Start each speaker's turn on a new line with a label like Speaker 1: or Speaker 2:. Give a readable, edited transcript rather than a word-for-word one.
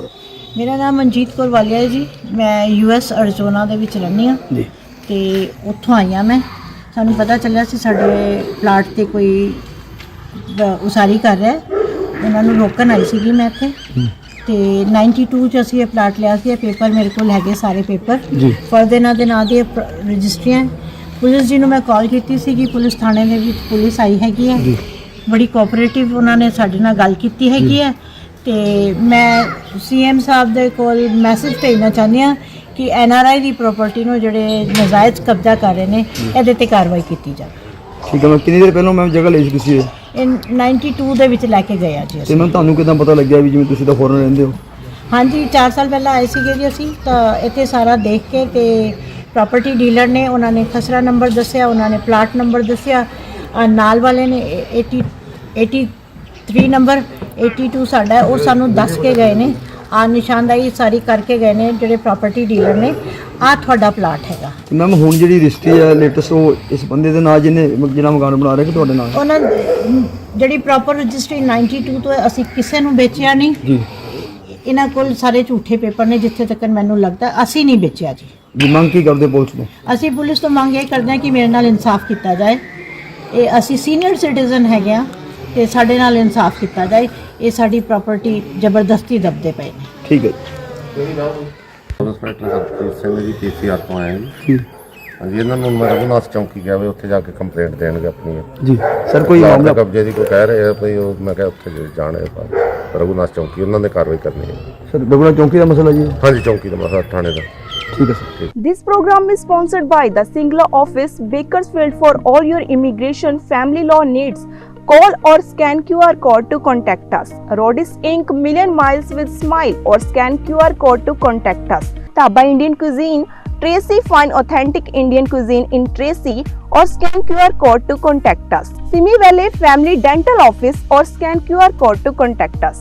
Speaker 1: ਮੇਰਾ ਨਾਮ ਮਨਜੀਤ ਕੌਰ ਵਾਲੀਆ ਹੈ ਜੀ। ਮੈਂ ਯੂਐਸ ਅਰਜ਼ੋਨਾ ਦੇ ਵਿੱਚ ਰਹਿੰਦੀ ਹਾਂ
Speaker 2: ਜੀ
Speaker 1: ਤੇ ਉੱਥੋਂ ਆਈ ਹਾਂ ਮੈਂ। ਸਾਨੂੰ ਪਤਾ ਚੱਲਿਆ ਸੀ ਸਾਡੇ ਪਲਾਟ ਤੇ ਕੋਈ ਉਸਾਰੀ ਕਰ ਰਿਹਾ, ਉਹਨਾਂ ਨੂੰ ਰੋਕਣ ਆਈ ਸੀਗੀ ਮੈਂ ਇੱਥੇ। ਤੇ 92 ਚ ਅਸੀਂ ਇਹ ਪਲਾਟ ਲਿਆ ਸੀ। ਇਹ ਪੇਪਰ ਮੇਰੇ ਕੋਲ ਹੈਗੇ ਸਾਰੇ ਪੇਪਰ
Speaker 2: ਜੀ
Speaker 1: ਫਰਦ ਇਹਨਾਂ ਦੇ ਨਾਂ ਦੀ ਰਜਿਸਟਰੀਆਂ। ਪੁਲਿਸ ਜੀ ਨੂੰ ਮੈਂ ਕਾਲ ਕੀਤੀ ਸੀਗੀ, ਪੁਲਿਸ ਥਾਣੇ ਦੇ ਵਿੱਚ ਪੁਲਿਸ ਆਈ ਹੈਗੀ ਹੈ, ਬੜੀ ਕੋਆਪਰੇਟਿਵ ਉਹਨਾਂ ਨੇ ਸਾਡੇ ਨਾਲ ਗੱਲ ਕੀਤੀ ਹੈਗੀ ਹੈ। ਤੇ ਮੈਂ ਸੀਐਮ ਸਾਹਿਬ ਦੇ ਕੋਲ ਮੈਸੇਜ ਭੇਜਣਾ ਚਾਹੁੰਦੀ ਹਾਂ ਕਿ ਐਨਆਰਆਈ ਦੀ ਪ੍ਰਾਪਰਟੀ ਨੂੰ ਜਿਹੜੇ ਨਜਾਇਜ਼ ਕਬਜ਼ਾ ਕਰ ਰਹੇ ਨੇ ਇਹਦੇ ਤੇ ਕਾਰਵਾਈ ਕੀਤੀ ਜਾਵੇ।
Speaker 2: ਠੀਕ ਹੈ। ਮੈਂ ਕਿੰਨੀ ਦੇਰ ਪਹਿਲਾਂ ਮੈਂ ਜਗ੍ਹਾ ਲਈ ਸੀ ਤੁਸੀਂ
Speaker 1: ਇਹ 92 ਦੇ ਵਿੱਚ ਲੈ ਕੇ ਗਏ ਆ ਜੀ
Speaker 2: ਤੇ
Speaker 1: ਅਸੀਂ।
Speaker 2: ਮੈਂ ਤੁਹਾਨੂੰ ਕਿਦਾਂ ਪਤਾ ਲੱਗਿਆ ਵੀ ਜਿਵੇਂ ਤੁਸੀਂ ਤਾਂ ਫੋਰਨ ਰਹਿੰਦੇ ਹੋ?
Speaker 1: ਹਾਂਜੀ 4 ਸਾਲ ਪਹਿਲਾਂ ਆਏ ਸੀਗੇ ਜੀ ਅਸੀਂ, ਤਾਂ ਇੱਥੇ ਸਾਰਾ ਦੇਖ ਕੇ ਤੇ ਪ੍ਰਾਪਰਟੀ ਡੀਲਰ ਨੇ ਉਹਨਾਂ ਨੇ ਖਸਰਾ ਨੰਬਰ ਦੱਸਿਆ, ਉਹਨਾਂ ਨੇ ਪਲਾਟ ਨੰਬਰ ਦੱਸਿਆ, ਨਾਲ ਵਾਲੇ ਨੇ 83 ਨੰਬਰ 82 ਸਾਡਾ ਉਹ ਸਾਨੂੰ ਦੱਸ ਕੇ ਗਏ ਨੇ। ਆ ਨਿਸ਼ਾਨਦਾਈ ਸਾਰੀ ਕਰਕੇ ਗਏ ਨੇ ਜਿਹੜੇ ਪ੍ਰਾਪਰਟੀ ਡੀਲਰ ਨੇ, ਆ ਤੁਹਾਡਾ ਪਲਾਟ ਹੈਗਾ।
Speaker 2: ਤੇ ਮੈਮ ਹੁਣ ਜਿਹੜੀ ਰਜਿਸਟਰੀ ਹੈ ਲੇਟੈਸਟ ਉਹ ਇਸ ਬੰਦੇ ਦੇ ਨਾਂ ਜਿਹਨੇ ਜਿਹੜਾ ਮਕਾਨ ਬਣਾ ਰਿਹਾ ਕਿ ਤੁਹਾਡੇ ਨਾਲ?
Speaker 1: ਉਹਨਾਂ ਜਿਹੜੀ ਪ੍ਰੋਪਰ ਰਜਿਸਟਰੀ 92 ਤੋਂ ਅਸੀਂ ਕਿਸੇ ਨੂੰ ਵੇਚਿਆ ਨਹੀਂ
Speaker 2: ਜੀ।
Speaker 1: ਇਹਨਾਂ ਕੋਲ ਸਾਰੇ ਝੂਠੇ ਪੇਪਰ ਨੇ ਜਿੱਥੇ ਤੱਕ ਮੈਨੂੰ ਲੱਗਦਾ। ਅਸੀਂ ਨਹੀਂ ਵੇਚਿਆ ਜੀ।
Speaker 2: ਜੀ ਮੰਗ ਕੀ ਕਰਦੇ ਪੁਲਿਸ ਤੋਂ?
Speaker 1: ਅਸੀਂ ਪੁਲਿਸ ਤੋਂ ਮੰਗ ਇਹ ਕਰਦੇ ਹਾਂ ਕਿ ਮੇਰੇ ਨਾਲ ਇਨਸਾਫ ਕੀਤਾ ਜਾਏ। ਇਹ ਅਸੀਂ ਸੀਨੀਅਰ ਸਿਟੀਜ਼ਨ ਹੈਗੇ ਆ ਤੇ ਸਾਡੇ ਨਾਲ ਇਨਸਾਫ ਕੀਤਾ ਜਾਏ। ਇਹ ਸਾਡੀ ਪ੍ਰਾਪਰਟੀ ਜ਼ਬਰਦਸਤੀ ਦਬਦੇ ਪਏ ਨੇ।
Speaker 2: ਠੀਕ ਹੈ
Speaker 3: ਇੰਸਪੈਕਟਰ ਹਰਪ੍ਰੀਤ ਸਿੰਘ ਜੀ ਪੀਸੀਆਰ ਤੋਂ ਆਏ ਜੀ।
Speaker 2: ਜੀ
Speaker 3: ਹਾਂਜੀ, ਇਹਨਾਂ ਨੂੰ ਮੈਂ ਰਘੁਨਾਥ ਚੌਂਕੀ ਗਿਆ ਵੀ ਉੱਥੇ ਜਾ ਕੇ ਕੰਪਲੇਂਟ ਦੇਣਗੇ ਆਪਣੀ।
Speaker 2: ਜੀ ਸਰ ਕੋਈ
Speaker 3: ਪਲਾਟ
Speaker 2: ਮਾਮਲਾ
Speaker 3: ਦੇ ਕਬਜ਼ੇ ਦੀ ਕੋਈ ਕਹਿ ਰਹੇ ਆ ਭਈ ਉਹ, ਮੈਂ ਕਿਹਾ ਉੱਥੇ ਜਾਣੇ ਰਘੁਨਾਥ ਚੌਂਕੀ, ਉਹਨਾਂ ਨੇ ਕਾਰਵਾਈ ਕਰਨੀ ਹੈ।
Speaker 2: ਸਰ ਬਗੜਾ ਚੌਂਕੀ ਦਾ ਮਸਲਾ ਜੀ?
Speaker 3: ਹਾਂਜੀ, ਚੌਂਕੀ ਦਾ ਮਸਲਾ ਥਾਣੇ ਦਾ।
Speaker 2: ਠੀਕ ਹੈ sir.
Speaker 4: This program is sponsored by the Singla office, Bakersfield. For all your immigration family law needs, call or scan QR code to contact us. Rodis Inc. Million Miles with Smile, or scan QR code to contact us. Taba Indian Cuisine, Tracy, find authentic Indian cuisine in Tracy, or scan QR code to contact us. Simi Valley Family Dental Office, or scan QR code to contact us.